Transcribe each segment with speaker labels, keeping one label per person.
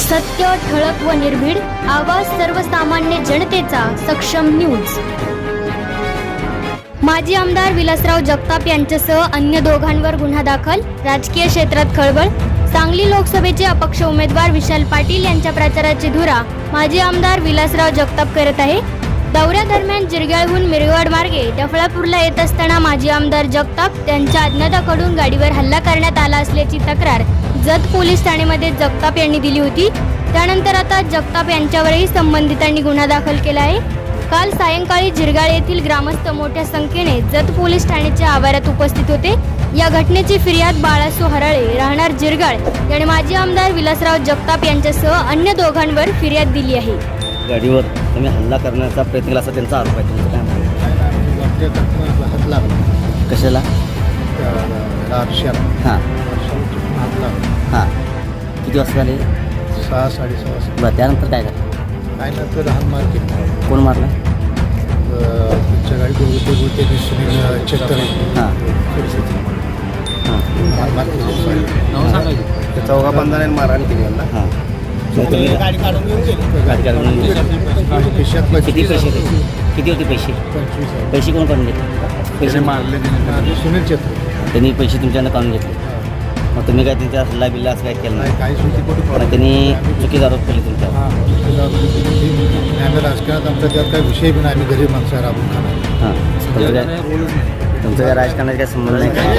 Speaker 1: सत्य, ठळक व निर्भीड, आवाज सर्वसामान्य जनतेचा, सक्षम न्यूज। माजी आमदार विलासराव जगताप यांच्यासह अन्य दोघांवर गुन्हा दाखल, राजकीय क्षेत्रात खळबळ। सांगली लोकसभेचे अपक्ष उमेदवार विशाल पाटील यांच्या प्रचाराची धुरा माजी आमदार विलासराव जगताप करत आहे। दौऱ्यादरम्यान जिरग्याळहून मिरवाड मार्गे डफळापूरला येत असताना माजी आमदार जगताप त्यांच्या अज्ञाताकडून गाडीवर हल्ला करण्यात आला असल्याची तक्रार जत पोलीस ठाण्यामध्ये जगताप यांनी दिली होती। त्यानंतर आता जगताप यांच्यावरही संबंधितांनी गुन्हा दाखल केला आहे। काल सायंकाळी जिरगाळ येथील ग्रामस्थ मोठ्या संख्येने जत पोलीस ठाण्याच्या आवारात उपस्थित होते। या घटनेची फिर्याद बाळासो हराळे राहणार जिरगाळ याने माजी आमदार विलासराव जगताप यांच्यासह अन्य दोघांवर फिर्याद दिली आहे।
Speaker 2: गाडीवर तुम्ही हल्ला करण्याचा प्रयत्न केला असा त्यांचा आरोप आहे। तुमचं काय म्हणणं?
Speaker 3: हात लागला
Speaker 2: कशाला? हां हां किती वाजता झाले?
Speaker 3: 6-6:30 वाजता।
Speaker 2: बरं, त्यानंतर काय झालं?
Speaker 3: काय नंतर लहान मार केली।
Speaker 2: कोण मारलं?
Speaker 3: तुमच्या गाडी बोलते सुनील चेतन
Speaker 2: हां
Speaker 3: मार केली।
Speaker 4: त्या चौघा बंधाऱ्याने मारहाण केली यांना।
Speaker 2: हां
Speaker 4: गाडी काढून घेऊन गेली।
Speaker 2: गाडी काढून
Speaker 3: खिशात
Speaker 2: किती पैसे होते? किती होते पैसे?
Speaker 3: 25,000
Speaker 2: पैसे कोण काढून घेतले?
Speaker 3: पैसे मारले सुनील चेतन।
Speaker 2: त्यांनी पैसे तुमच्यानं काढून घेतले। मग तुम्ही काय त्यांच्या हल्ला बिल्ला असं काय केलं नाही?
Speaker 3: काही सुटी कुठे
Speaker 2: मग त्यांनी चुकीचा आरोप केले तुमच्यावर?
Speaker 3: आम्ही राजकारणात आमचा त्यात काही विषय पण आम्ही गरीब माणसं राबून खाणार।
Speaker 2: हां तुमचं काय राजकारणाचा काय संबंध नाही का?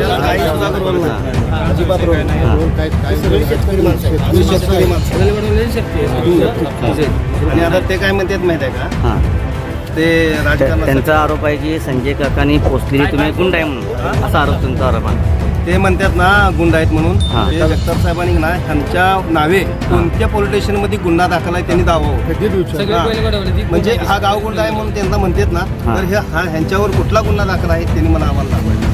Speaker 4: अजिबात रोल नाही। शेतकरी माणसं आणि आता ते काय म्हणतात माहिती आहे का?
Speaker 2: हां
Speaker 4: ते राजकारणात
Speaker 2: त्यांचा आरोप आहे की संजय काकांनी पोचलेली तुम्ही गुंड आहे म्हणून, असा आरोप तुमचा आरोप आहे।
Speaker 4: ते म्हणतात ना गुंड आहेत म्हणून।
Speaker 2: हां.
Speaker 4: ते जगताप साहेबांनी ना ह्यांच्या नावे कोणत्या पोलीस स्टेशनमध्ये गुन्हा दाखल आहे त्यांनी दावा
Speaker 3: कधी दिवशी
Speaker 4: म्हणजे हा गाव गुंड आहे म्हणून त्यांना म्हणतात ना।
Speaker 2: हां.
Speaker 4: तर ह्यांच्यावर कुठला गुन्हा दाखल आहे त्यांनी मला आम्हाला दाखवायचं।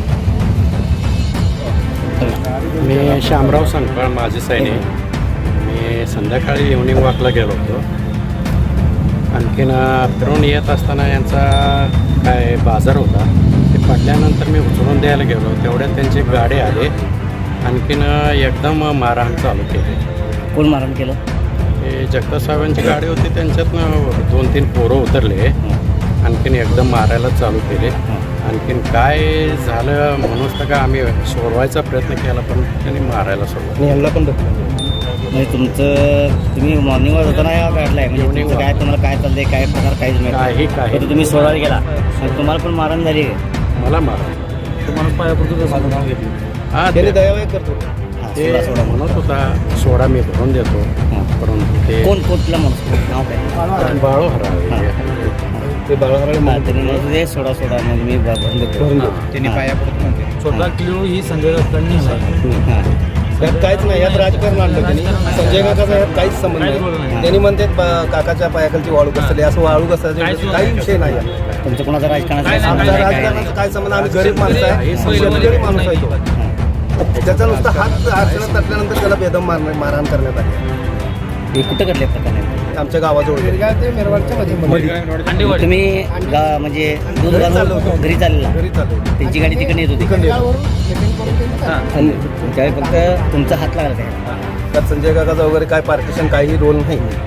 Speaker 5: मी शामराव संकपाळ माझे सैनिक। मी संध्याकाळी इव्हनिंग वॉकला गेलो होतो। आणखीन फिरून येत असताना यांचा काय बाजार होता, ते पडल्यानंतर मी उचलून द्यायला गेलो। तेवढ्यात त्यांची गाडी आली, आणखीन एकदम मारहाण चालू केली।
Speaker 2: कोण मारहाण केलं?
Speaker 5: हे जगताप साहेबांची गाडी होती, त्यांच्यातनं 2-3 पोरं उतरले, आणखीन एकदम मारायला चालू केले। आणखीन काय झालं म्हणूनच तर का आम्ही सोडवायचा प्रयत्न केला, पण त्यांनी मारायला सोडलं।
Speaker 4: ह्यांना पण दाखवलं।
Speaker 2: म्हणजे तुम्ही मॉर्निंगवर होताना या काढलाय म्हणजे तुमचं काय, तुम्हाला काय चाललंय, काय प्रकार काहीच नाही?
Speaker 5: काही
Speaker 2: तुम्ही सोडायला गेला आणि तुम्हाला पण मारहाण झाली आहे?
Speaker 5: मला मारा
Speaker 4: तुम्हाला पायापुरतं नाव घेतलं।
Speaker 5: हां
Speaker 4: त्यांनी दयावाय करतो।
Speaker 5: ते म्हणत होता सोडा मी भरून देतो, परंतु ते
Speaker 2: कोण कुठला माणूस नाव काय?
Speaker 5: बाळू हराळे
Speaker 4: ते बाळाहराळे
Speaker 2: त्यांनी म्हणत होते सोडा मग मी भरून देतो।
Speaker 4: त्यांनी पायापुरतं म्हणते।
Speaker 6: स्वतः किलो ही संजय दत्तांनी
Speaker 2: हां
Speaker 4: यात काहीच नाही, यात राजकारण आणलं त्यांनी। संजय काकाचा यात काहीच संबंध नाही। त्यांनी म्हणतात काकाच्या पायाखालची वाळू कसली, असं वाळू कसं काही विषय नाही यात।
Speaker 2: तुमचं कोणाचा राजकारणाचा
Speaker 4: आमचा
Speaker 2: संबंध आहे?
Speaker 4: राजकारणाचा काय संबंध? आम्ही गरीब माणसं आहे, शेतकरी माणूस आहे तो। त्याचा नुसता हात आरक्षणात टाकल्यानंतर त्याला बेदम मारहाण करण्यात आली।
Speaker 2: हे कुठं घडले प्रकार?
Speaker 4: आमच्या गावाजवळ ते मिरवाडच्या मध्ये
Speaker 2: तुम्ही म्हणजे दूध घालून घरी चाललेला?
Speaker 4: घरी चालू
Speaker 2: त्यांची गाडी तिकडे येत होती आणि त्यावेळी फक्त तुमचा हात लागला काय?
Speaker 4: त्यात संजय काकाचा वगैरे काय पार्टिशन काही रोल नाही।